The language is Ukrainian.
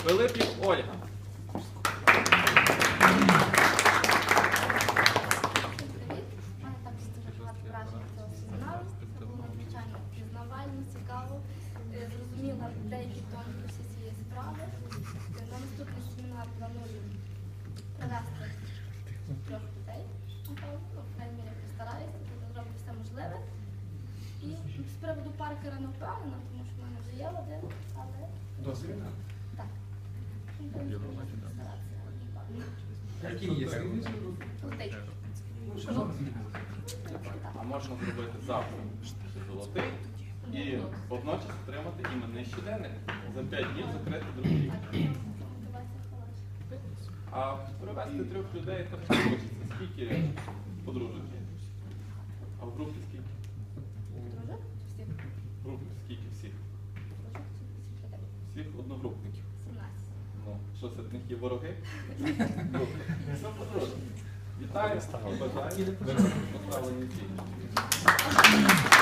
Пилипів Ольга. Зрозуміла деякі тонкості цієї справи. На наступний семінар планую привезти 3 людей. Напевно, в крайній мірі постараюся, зроблю все можливе. І з приводу Паркера не впевнена, тому що в мене вже є один, але... Досвід? Так. Який є? Золотий. А можна зробити завтра золотий і водночас отримати іменний щоденник. За 5 днів закрити другий рік. А привезти 3 людей теж не хочеться. Скільки подружок є? А в групі скільки? Дружок? Всіх? В групі скільки всіх? Дружок чи всіх людей? Всіх одногрупників. 17. Ну, що серед них є вороги? Все подружок. Вітаю і бажаю поставлені цілі.